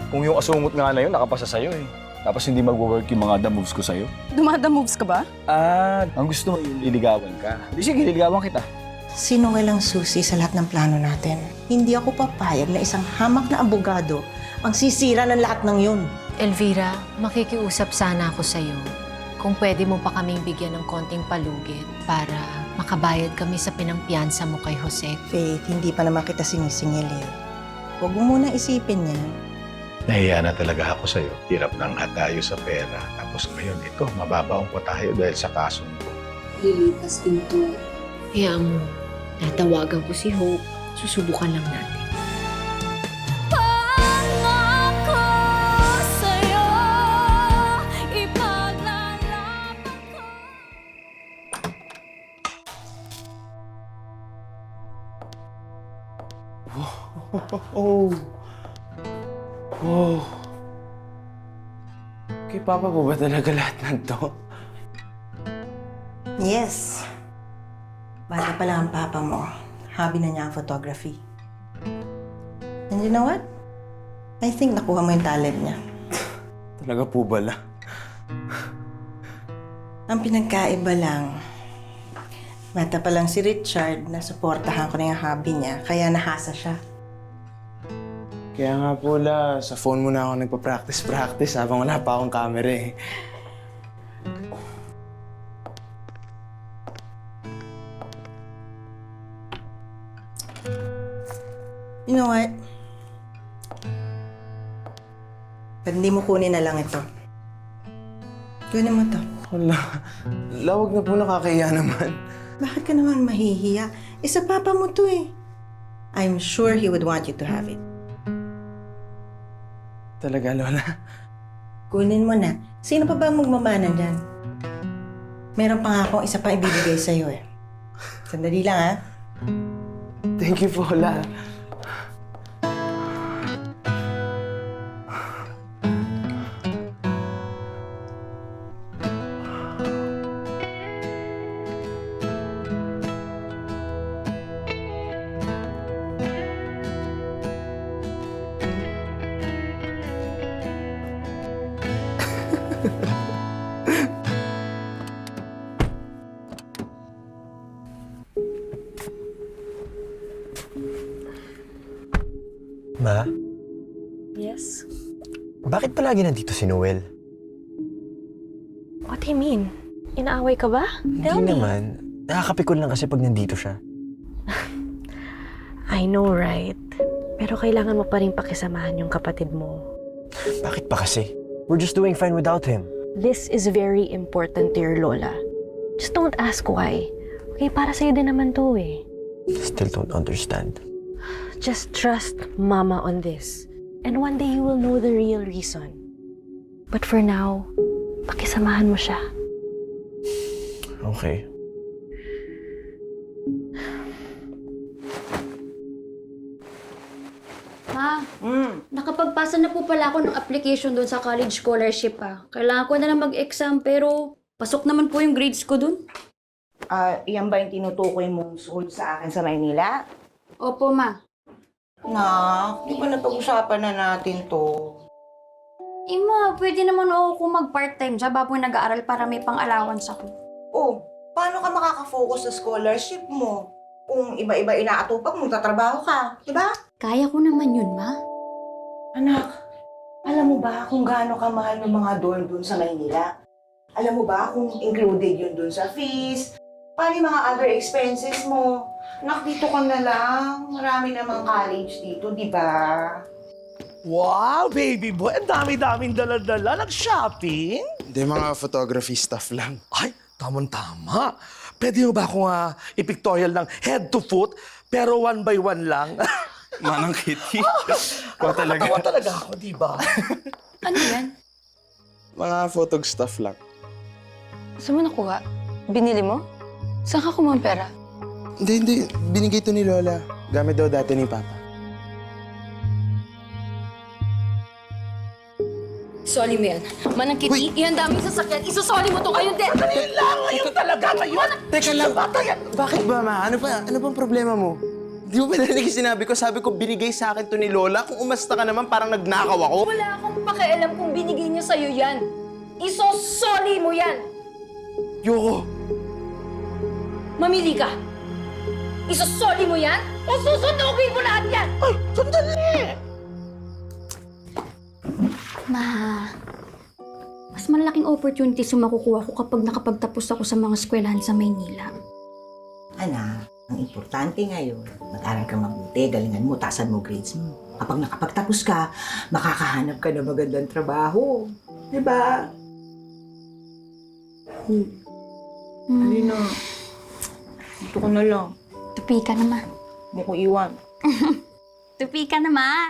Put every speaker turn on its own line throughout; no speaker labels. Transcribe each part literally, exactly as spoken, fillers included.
Kung yung asungot nga na yun, nakapasa sa'yo eh. Tapos hindi mag-work yung mga the moves ko sa'yo.
Dumada moves ka ba?
Ah, ang gusto mo yung liligawan ka. Di sige, liligawan kita.
Sinungal ang susi sa lahat ng plano natin. Hindi ako papayag na isang hamak na abogado ang sisira ng lahat ng yun.
Elvira, makikiusap sana ako sa'yo kung pwede mo pa kaming bigyan ng konting palugit para makabayad kami sa pinangpiyansa mo kay Jose.
Faith, hindi pa naman kita sinisingil eh. Huwag mo muna isipin yan.
Nahiya na talaga ako sa'yo. Hirap nang hatayo sa pera. Tapos ngayon, ito, mababaong ko tayo dahil sa kasong ko.
Lilipas din to.
Kaya mo, tatawagan ko si Hope. Susubukan lang natin.
Oh. Oh. Kay Papa po ba talaga lahat ng to?
Yes. Bata pa lang ang papa mo. Hobby na niya ang photography. And you know what? I think nakuha mo yung talent niya.
Talaga po bala.
Ang pinagkaiba lang, bata pa lang si Richard, nasuportahan ko na yung hobby niya, kaya nahasa siya.
Kaya nga po la, sa phone mo na ako nagpa-practice-practice habang wala pa akong camera eh.
You know what? Pag hindi mo kunin na lang ito. Kunin mo to.
Wala. Lawag na po, nakakahiya naman.
Bakit ka naman mahihiya? Eh, sa papa mo to eh. I'm sure he would want you to have it.
Talaga, Lola.
Kunin mo na. Sino pa ba ang magmamana dyan? Meron pa nga akong isa pa ibibigay sa'yo eh. Sandali lang ha.
Thank you po, La.
Ma,
Yes?
bakit palagi nandito si Noel?
What do you mean? Inaaway ka ba? Tell
Hindi
me.
naman. Nakakapikon lang kasi pag nandito siya.
I know, right? Pero kailangan mo pa rin pakisamahan yung kapatid mo.
Bakit pa kasi? We're just doing fine without him.
This is very important to your lola. Just don't ask why. Okay, para sa'yo din naman to eh.
Still don't understand.
Just trust Mama on this. And one day you will know the real reason. But for now, pakisamahan mo siya.
Okay.
Ma,
Mm.
nakapagpasa na po pala ako ng application doon sa college scholarship ah. Kailangan ko na lang mag-exam pero pasok naman po yung grades ko doon.
Ah, iyan ba yung tinutukoy mong school sa akin sa Maynila?
Opo, ma.
Nak, di ba napag-usapan na natin to?
Eh ma, pwede naman ako kung mag-part-time siya habang nag-aaral para may pang-allowance ako.
Oh, paano ka makaka-focus sa scholarship mo? Kung iba-iba inaatupag mo, tatrabaho ka, di ba?
Kaya ko naman yun, ma.
Anak, alam mo ba kung gaano kamahal ng mga dorm dun sa Maynila? Alam mo ba kung included yun dun sa fees? Paano yung mga other expenses mo? Nak, dito ka na lang. Marami namang college dito, di ba?
Wow, baby boy! Ang dami-daming dala-dala. Nag-shopping?
Hindi, mga photography stuff lang.
Ay, tamang-tama. Pwede mo ba akong uh, i-pictorial ng head to foot, pero one by one lang?
Manang Kitty. Ikaw talaga.
Nakakatawa talaga ako, di ba?
Ano yan?
Mga photog stuff lang.
Saan mo nakuha? Binili mo? Saan ka kumuha ng pera?
Hindi, hindi. Binigay to ni Lola. Gamit daw dati ni Papa.
Soli mo yan. Manang Kitty, yan daming sasakyan. Isusoli mo to kayo din.
Dali lang! Ngayon talaga ngayon!
Teka lang. Bakit ba, Ma? Ano pa? Ano pang problema mo? Di mo ba narinig yung sinabi ko? Sabi ko, binigay sa akin to ni Lola. Kung umasta ka naman, parang nagnakaw ako.
Wala akong pakialam kung binigay niya sa'yo yan. Iso-sorry mo yan.
Yoko,
Mamili ka. Iso-sorry mo yan o susundugin mo lahat yan?
ay, sandali!
Ma, mas malaking opportunities yung makukuha ko kapag nakapagtapos ako sa mga eskwelahan sa Maynila.
Anak, ang importante ngayon, mag-aral ka mabuti, galingan mo, taasan mo grades mo. Kapag nakapagtapos ka, makakahanap ka ng magandang trabaho. Diba? Hmm. Halina. Dito ka na lang.
Tupi ka na, Ma.
Hindi ko iwan.
Tupi ka na, Ma.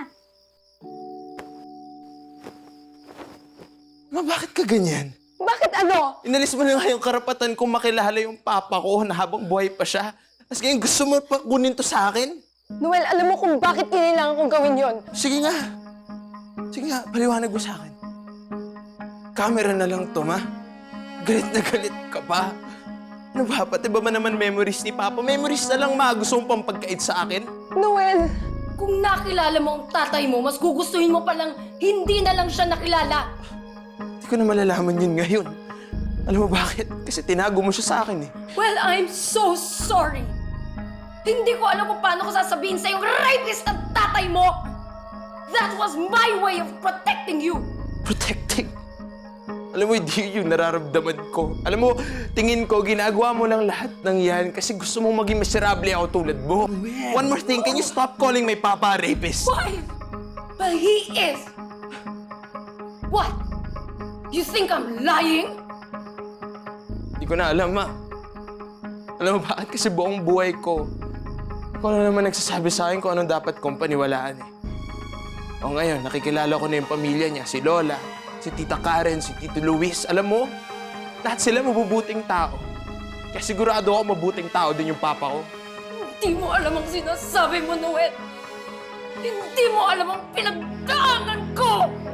Ma, bakit ka ganyan?
Bakit ano?
Inalis mo na nga yung karapatan kong makilala yung papa ko na habang buhay pa siya. Tapos ngayon gusto mo pa kunin to sa akin?
Noel, alam mo kung bakit kinailangan kong gawin yon.
Sige nga. Sige nga, paliwanag mo sa akin. Camera na lang to, ma. Galit na galit ka pa. Ano ba? Pati ba man naman memories ni Papa? Memories na lang, ma. Gusto mong pampagkait sa akin?
Noel!
Kung nakilala mo ang tatay mo, mas gugustuhin mo palang hindi na lang siya nakilala.
Hindi ko na malalaman yun ngayon. Alam mo bakit? Kasi tinago mo siya sa akin eh.
Well, I'm so sorry. Hindi ko alam kung paano ko sasabihin sa yung rapist ng tatay mo. That was my way of protecting you.
Protecting. Alam mo, hindi yung nararamdaman ko. Alam mo, tingin ko, ginagawa mo lang lahat ng yan kasi gusto mong maging miserable ako tulad mo. One more thing, can you stop calling my papa a rapist?
Why? But he is. What? You think I'm lying?
Hindi ko na alam, ma. Alam mo bakit? Kasi buong buhay ko, ikaw na naman nagsasabi sa akin kung anong dapat kong paniwalaan eh. O ngayon, nakikilala ko na yung pamilya niya, si Lola, si Tita Karen, si Tito Luis. Alam mo, lahat sila mabubuting tao. Kaya sigurado ako mabuting tao din yung papa ko.
Hindi mo alam ang sinasabi mo, Noel. Hindi mo alam ang pinagdaanan ko.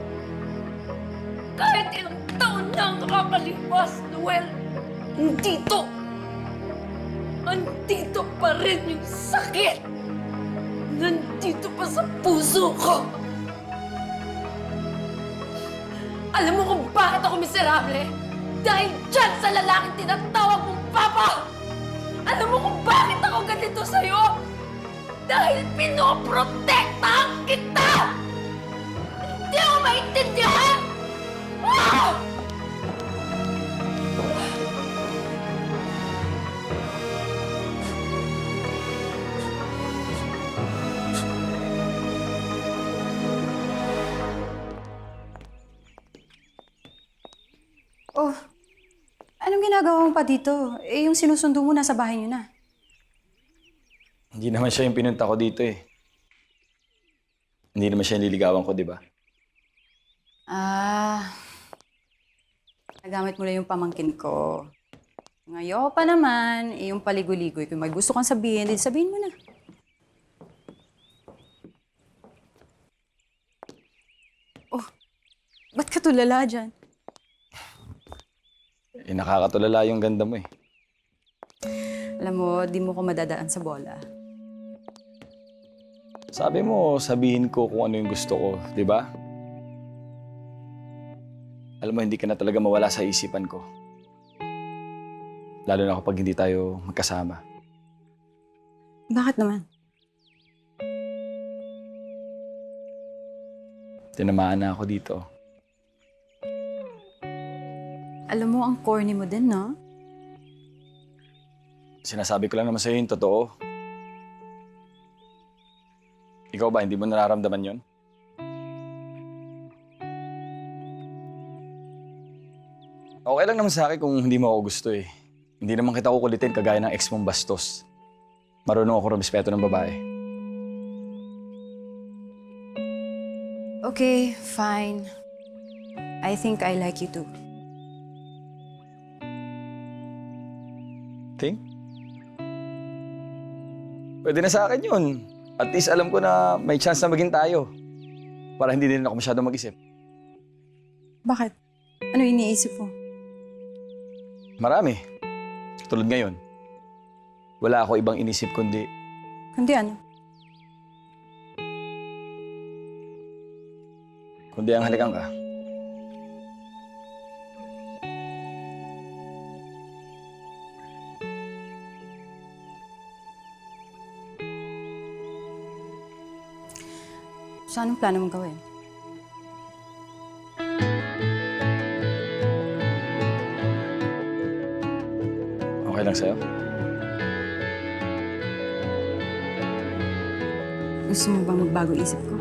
Kahit ilang taon na ang nakakalipas, Noel, nandito. Nandito pa rin yung sakit. Nandito pa sa puso ko. Alam mo kung bakit ako miserable? Dahil dyan sa lalaking tinatawag mong Papa! Alam mo kung bakit ako ganito sa'yo? Dahil pinoprotektahan kita! Hindi ako maintindihan! Ah!
Oh, anong ginagawa mo pa dito? Eh, yung sinusundo mo nasa bahay niyo na.
Hindi naman siya yung pinunta ko dito eh. Hindi naman siya yung liligawan ko, di ba?
Ah, nagamit mo lang yung pamangkin ko. Ngayon pa naman, eh, yung paligoy-ligoy. Kung may gusto kang sabihin, din sabihin mo na. Oh, ba't ka tulala dyan?
Eh, nakakatulala yung ganda mo eh.
Alam mo, di mo ko madadaan sa bola.
Sabi mo, sabihin ko kung ano yung gusto ko, di ba? Alam mo, hindi ka na talaga mawala sa isipan ko. Lalo na kapag hindi tayo magkasama.
Bakit naman?
Tinamaan na ako dito.
Alam mo, ang corny mo din, no?
Sinasabi ko lang naman sa'yo yung totoo. Ikaw ba, hindi mo nararamdaman yon? Okay lang naman sa akin kung hindi mo ako gusto eh. Hindi naman kita kukulitin kagaya ng ex mong bastos. Marunong ako rumispeto ng babae.
Okay, fine. I think I like you too.
Ting? Pwede na sa akin yun. At least alam ko na may chance na maging tayo. Para hindi din ako masyadong mag-isip.
Bakit? Ano iniisip mo?
Marami. Tulad ngayon. Wala ako ibang inisip kundi
Kundi ano?
kundi ang halikan ka.
So, anong plano mong gawin?
Okay lang sa'yo?
Gusto mo ba magbago isip ko?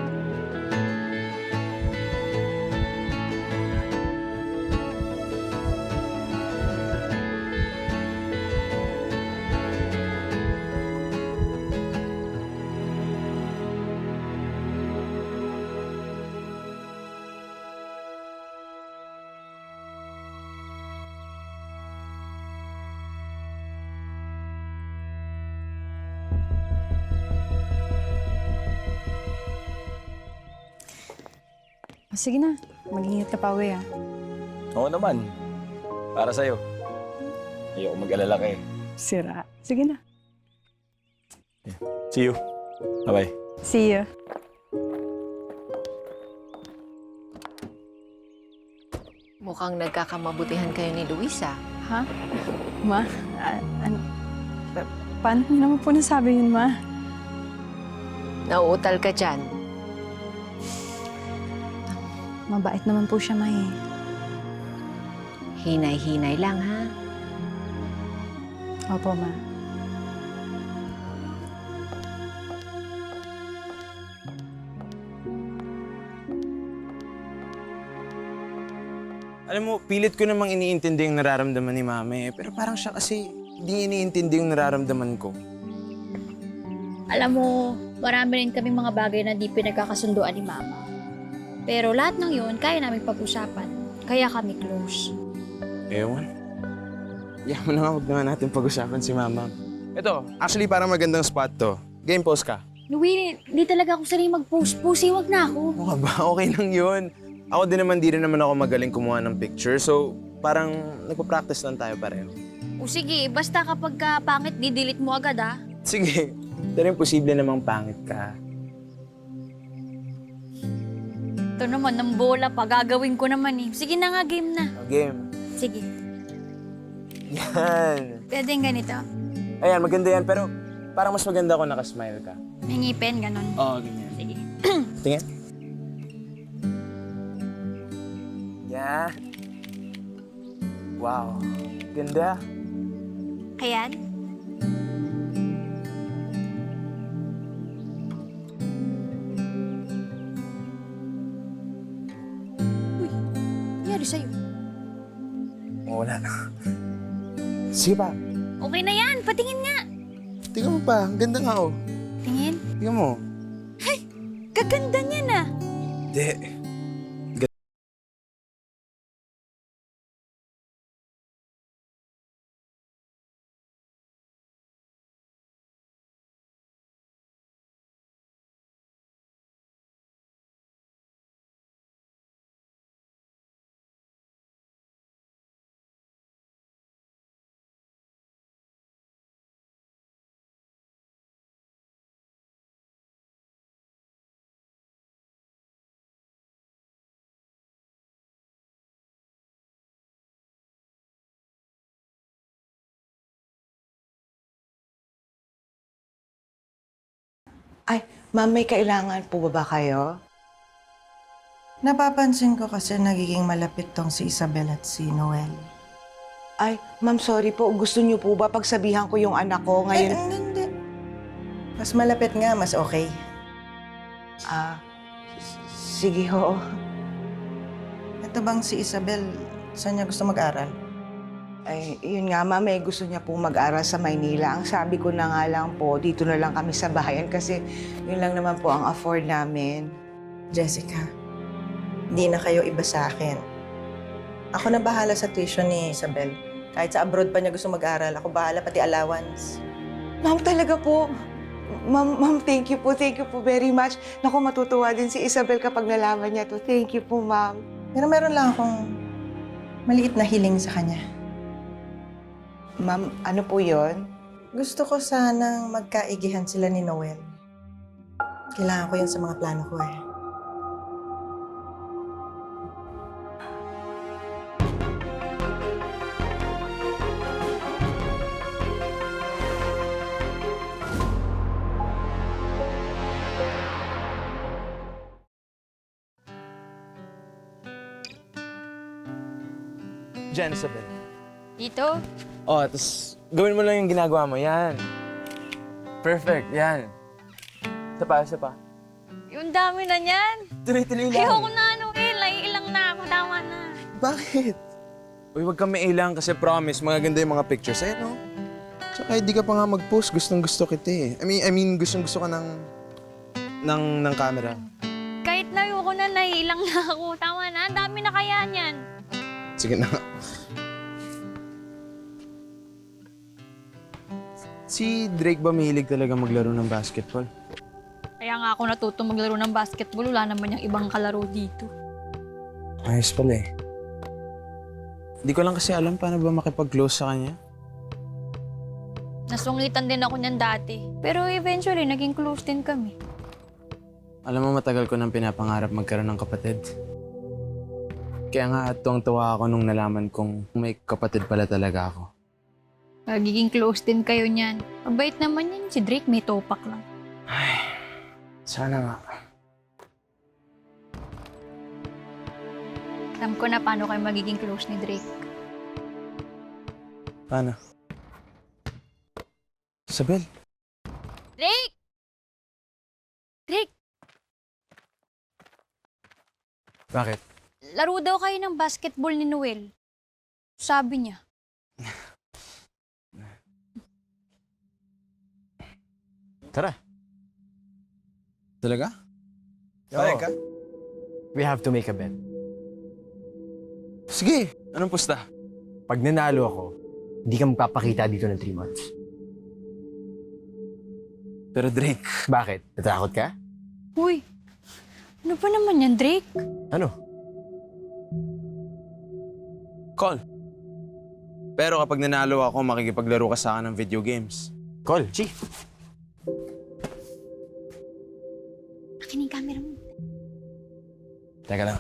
Oh, sige na. Mag-ingat ka pa uwi, ah.
Oo naman. Para sa'yo. Ayoko mag-alala ka eh.
Sira. Sige na.
See you. Bye-bye.
See you.
Mukhang nagkakamabutihan kayo ni Luisa.
Ha? Ma? A- ano? Pa- paano mo naman po nasabi yun, Ma?
Nauutal ka dyan.
Mabait naman po siya, Ma, eh.
Hinay-hinay lang, ha?
Opo, Ma.
Alam mo, pilit ko namang iniintindi yung nararamdaman ni Mami. Pero parang siya kasi hindi iniintindi yung nararamdaman ko.
Alam mo, marami rin kami mga bagay na di pinagkakasunduan ni Mama. Pero lahat ng yun, kaya namin pag-usapan. Kaya kami close.
Ewan. Iyan mo na nga, huwag naman natin pag-usapan si Mama. Ito, actually parang magandang spot to. Game post ka.
Louie, hindi talaga ako sanay mag-post. Pusi, wag na ako.
Oo nga ba? Okay lang yun. Ako din naman, di rin naman ako magaling kumuha ng picture. So, parang nagpa-practice lang tayo pareho.
O sige, basta kapag ka pangit, di-delete mo agad ah.
Sige, pero imposible namang pangit ka.
Ito naman, ng bola pa. Gagawin ko naman eh. Sige na nga, game na.
Game.
Sige.
Yan.
Pwede yung ganito.
Ayan, maganda yan. Pero parang mas maganda ako nakasmile ka.
May ngipin, ganun.
Oo, ganyan.
Sige.
Tingin. Yeah. Wow. Ganda.
Ayan. Uy, nangyari sa'yo.
Oh, wala na. Sige pa.
Okay na yan, patingin nga.
Tingnan mo pa. Ang ganda nga, oh.
Tingin.
Tingnan mo.
Kaganda niya na.
Hindi.
Ay, ma'am, may kailangan po ba ba kayo?
Napapansin ko kasi nagiging malapit tong si Isabel at si Noel.
Ay, ma'am, sorry po. Gusto niyo po ba pagsabihan ko yung anak ko
Ay,
ngayon?
hindi, hindi. Mas malapit nga, mas okay.
Ah, s- sige ho.
Ito bang si Isabel, saan niya gusto mag-aral?
Ay, yun nga, ma'am, eh, gusto niya po mag-aral sa Maynila. Ang sabi ko na nga lang po, dito na lang kami sa bayan kasi yun lang naman po ang afford namin.
Jessica, hindi na kayo iba sa akin. Ako na bahala sa tuition ni Isabel. Kahit sa abroad pa niya gusto mag-aral, ako bahala pati allowance.
Ma'am, talaga po. Ma'am, ma'am, thank you po. Thank you po very much. Naku, matutuwa din si Isabel kapag nalaman niya to. Thank you po, ma'am.
Pero meron lang akong maliit na hiling sa kanya.
Ma'am, ano po yon?
Gusto ko sanang magkaigihan sila ni Noel. Kailangan ko yun sa mga plano ko eh.
dyan, Isabel.
Dito?
Oh, tapos gawin mo lang yung ginagawa mo. Yan. Perfect, yan. Isa pa, isa pa.
Yung dami na niyan.
Tuloy-tuloy lang.
Ayoko na, Noel. Naiilang na ako. Tama na.
Bakit? Uy, huwag kang mailang kasi promise, magaganda yung mga pictures. Eh, no? Tsaka hindi ka pa nga mag-post. Gustong gusto kita eh. I mean, I mean gustong gusto ka ng... ng, ng camera.
Kahit na ayoko na, naiilang na ako. Tama na. Ang dami na kaya niyan.
Sige na. Si Drake ba mahilig talaga maglaro ng basketball?
Kaya nga ako natuto maglaro ng basketball. Wala naman yung ibang kalaro dito.
Ayos pala eh. Hindi ko lang kasi alam paano ba makipag-close sa kanya.
Nasungitan din ako niyan dati. Pero eventually, naging close din kami.
Alam mo, matagal ko nang pinapangarap magkaroon ng kapatid. Kaya nga tuwang-tuwa ako nung nalaman kong may kapatid pala talaga ako.
Magiging close din kayo niyan. Mabait naman yan. Si Drake may topak lang.
Sana nga.
Alam ko na paano kayo magiging close ni Drake.
Paano? Isabel?
Drake! Drake!
Bakit?
Laro daw kayo ng basketball ni Noel. Sabi niya.
Tara.
Talaga?
Payag ka? We have to make a bet.
Sige! Anong pusta?
Pag nanalo ako, hindi ka magpapakita dito ng three months.
Pero Drake...
Bakit? Natakot ka?
Uy, ano ba naman yan, Drake?
Ano?
Call. Pero kapag nanalo ako, makikipaglaro ka sa akin ng video games.
Call, Chi.
Akin yung camera mo.
Teka lang.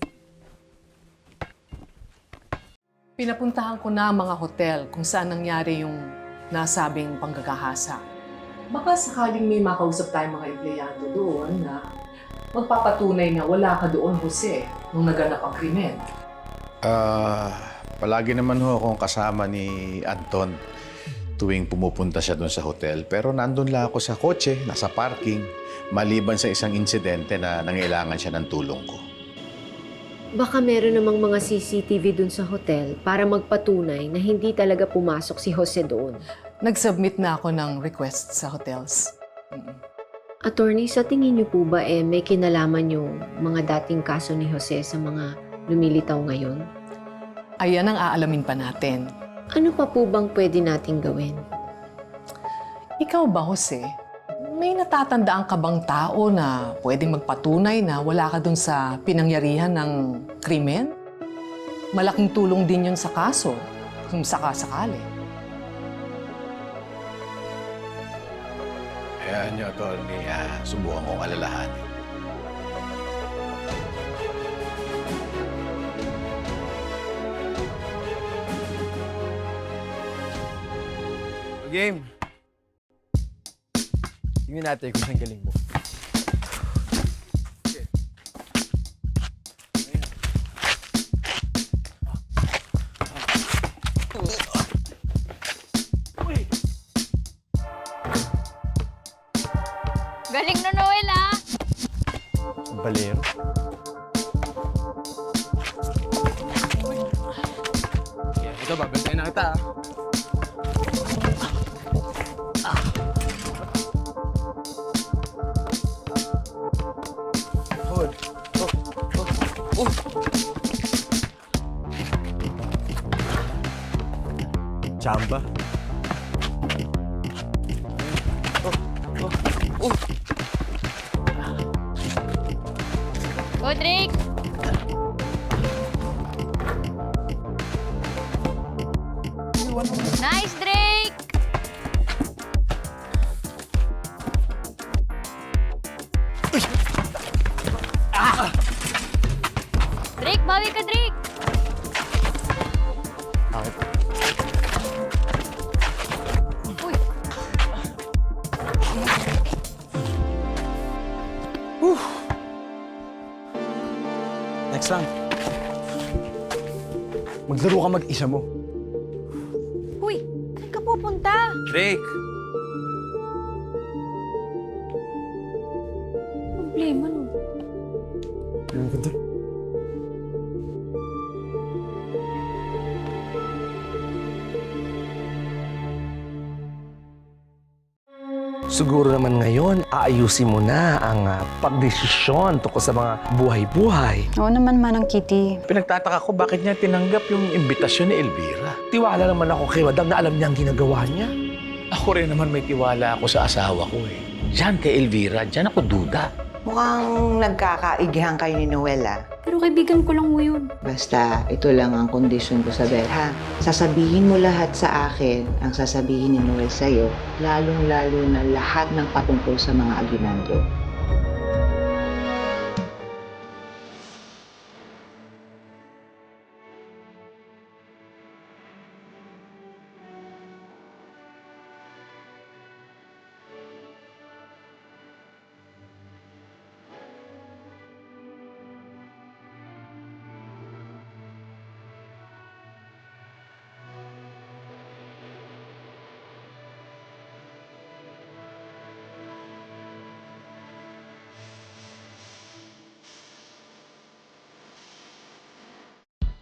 Pinapuntahan ko na ang mga hotel kung saan nangyari yung nasabing panggagahasa. Baka sakaling may makausap tayong mga empleyado doon na magpapatunay na wala ka doon, Jose, nung naganap ang krimen.
Ah, palagi naman ho akong kasama ni Anton tuwing pumupunta siya doon sa hotel. Pero nandun lang ako sa kotse, nasa parking, maliban sa isang insidente na nangailangan siya ng tulong ko.
Baka meron namang mga C C T V dun sa hotel para magpatunay na hindi talaga pumasok si Jose doon.
Nag-submit na ako ng request sa hotels. Mm-mm.
Attorney, sa tingin niyo po ba eh may kinalaman yung mga dating kaso ni Jose sa mga lumilitaw ngayon?
Ayan ang aalamin pa natin.
Ano pa po bang pwede nating gawin?
Ikaw ba, Jose? May natatandaan ka bang tao na pwedeng magpatunay na wala ka dun sa pinangyarihan ng krimen? Malaking tulong din yun sa kaso, kung sakasakali.
Hayaan niyo, Atty. Uh, subukan kong alalahanin.
Game. Tingnan natin kung saan galing mo.
Galing na, Noel, ah!
Balero.
Ito, babantayan na kita.
Hold. Oh, oh, oh. Chamba. Oh, oh, oh.
Go, Drake! Nice, Drake! Drake, bawi ka, Drake!
Bakit?
Uy!
Next lang.
Maglaro ka mag-isa mo.
Uy, saan ka pupunta?
Drake!
Problema no.
Ano ka doon?
Siguro naman ngayon, aayusin mo na ang uh, pagdesisyon tungkol sa mga buhay-buhay.
Oo naman, Manang Kitty.
Pinagtataka ko bakit niya tinanggap yung imbitasyon ni Elvira.
Tiwala naman ako kay Madam na alam niya ang ginagawa niya.
Ako rin naman may tiwala ako sa asawa ko eh. Diyan kay Elvira, diyan ako duda.
Mukhang nagkakaigihan kayo ni Noel, ah.
Pero kaibigan ko lang mo yun.
Basta, ito lang ang kondisyon ko sa Bel, ha? Sasabihin mo lahat sa akin ang sasabihin ni Noel sa'yo, lalong-lalo na lahat ng patungkol sa mga aginando.